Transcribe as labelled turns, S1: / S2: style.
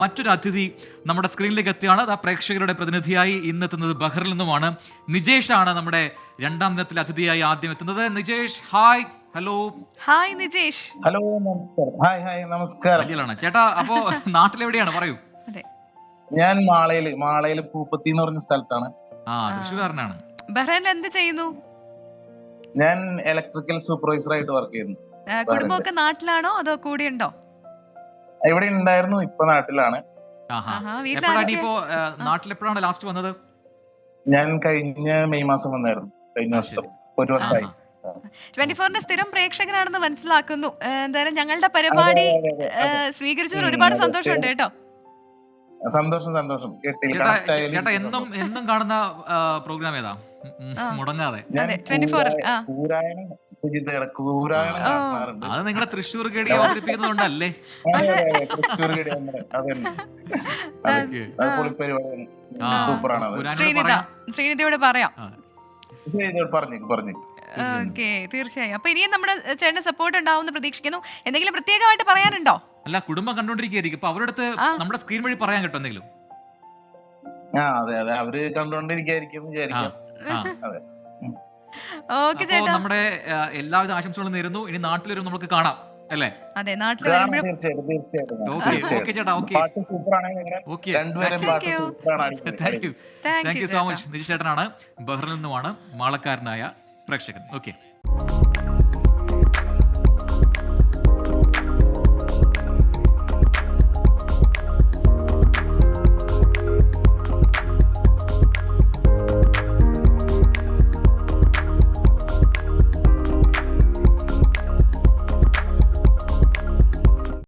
S1: മറ്റൊരു അതിഥി നമ്മുടെ സ്ക്രീനിലേക്ക് എത്തിയാണ്. ആ പ്രേക്ഷകരുടെ പ്രതിനിധിയായി ഇന്നെത്തുന്നത് ബഹ്റിൽ നിന്നുമാണ്. നിജേഷ് ആണ് നമ്മുടെ രണ്ടാം ദിനത്തിലെ അതിഥിയായി ആദ്യം എത്തുന്നത്. Nijesh, hi. Hello.
S2: Hi Nijesh.
S3: Hello, നമസ്കാരം. ഹായ് നമസ്കാരം.
S1: വലിയാണ് ചേട്ടാ. അപ്പോ നാട്ടിലെവിടെയാണ് പറയൂ?
S2: അതെ,
S3: ഞാൻ മാളയില് പൂപ്പത്തി എന്ന് പറഞ്ഞ സ്ഥലത്താണ്.
S1: തൃശ്ശൂർകാരനാണ്.
S2: ബഹ്റൈനിൽ എന്ത് ചെയ്യുന്നു?
S3: ഞാൻ ഇലക്ട്രിക്കൽ സൂപ്പർവൈസർ ആയിട്ട് വർക്ക് ചെയ്യുന്നു.
S2: കുടുംബമൊക്കെ നാട്ടിലാണോ അതോ കൂടെയുണ്ടോ?
S3: ഇവിടെ ഉണ്ടായിരുന്നു, ഇപ്പൊ നാട്ടിലാണ്.
S1: ഇപ്പോ നാട്ടിലെപ്പോഴാണ് ലാസ്റ്റ് വന്നത്?
S3: ഞാൻ കഴിഞ്ഞ മെയ് മാസം വന്നായിരുന്നു. കഴിഞ്ഞ വർഷം ഒരു വർഷമായി.
S2: 24ന്റെ സ്ഥിരം പ്രേക്ഷകനാണെന്ന് മനസ്സിലാക്കുന്നു. എന്തായാലും ഞങ്ങളുടെ പരിപാടി സ്വീകരിച്ചതിൽ ഒരുപാട് സന്തോഷമുണ്ട് കേട്ടോ.
S3: സന്തോഷം.
S1: ചേട്ടാ എന്നും കാണുന്ന പ്രോഗ്രാം ഏതാ? മുടങ്ങാതെ
S2: 24
S1: അത് നിങ്ങളുടെ തൃശ്ശൂർ ഗഡി അവതരിപ്പിക്കുന്നുണ്ടല്ലേ?
S2: ശ്രീനിധിയോട് പറയാം.
S3: പറഞ്ഞു.
S2: ഓക്കെ, തീർച്ചയായും. അപ്പൊ ഇനിയും നമ്മുടെ ചേട്ടന് സപ്പോർട്ട് ഉണ്ടാവും പ്രതീക്ഷിക്കുന്നു. എന്തെങ്കിലും പ്രത്യേകമായിട്ട് പറയാനുണ്ടോ?
S1: അല്ല, കുടുംബം കണ്ടോണ്ടിരിക്കുകയായിരിക്കും. അപ്പൊ അവരുടെ അടുത്ത് നമ്മുടെ സ്ക്രീൻ വഴി പറയാൻ കേട്ടോ എന്തെങ്കിലും?
S3: അതെ, അവര് കണ്ടോണ്ടിരിക്കും വിചാരിക്കാം.
S2: ഓക്കെ ചേട്ടാ,
S1: നമ്മുടെ എല്ലാവിധ ആശംസകളും നേരുന്നു. ഇനി നാട്ടിൽ വരും നമുക്ക് കാണാം അല്ലേ?
S2: അതെ, നാട്ടിൽ വരുമ്പോഴും.
S1: ഓക്കെ ചേട്ടാ, okay. Thank you so much. Nijesh ചേട്ടനാണ്, ബഹ്റിൽ നിന്നുമാണ്, മാളക്കാരനായ പ്രേക്ഷകൻ. ഓക്കെ.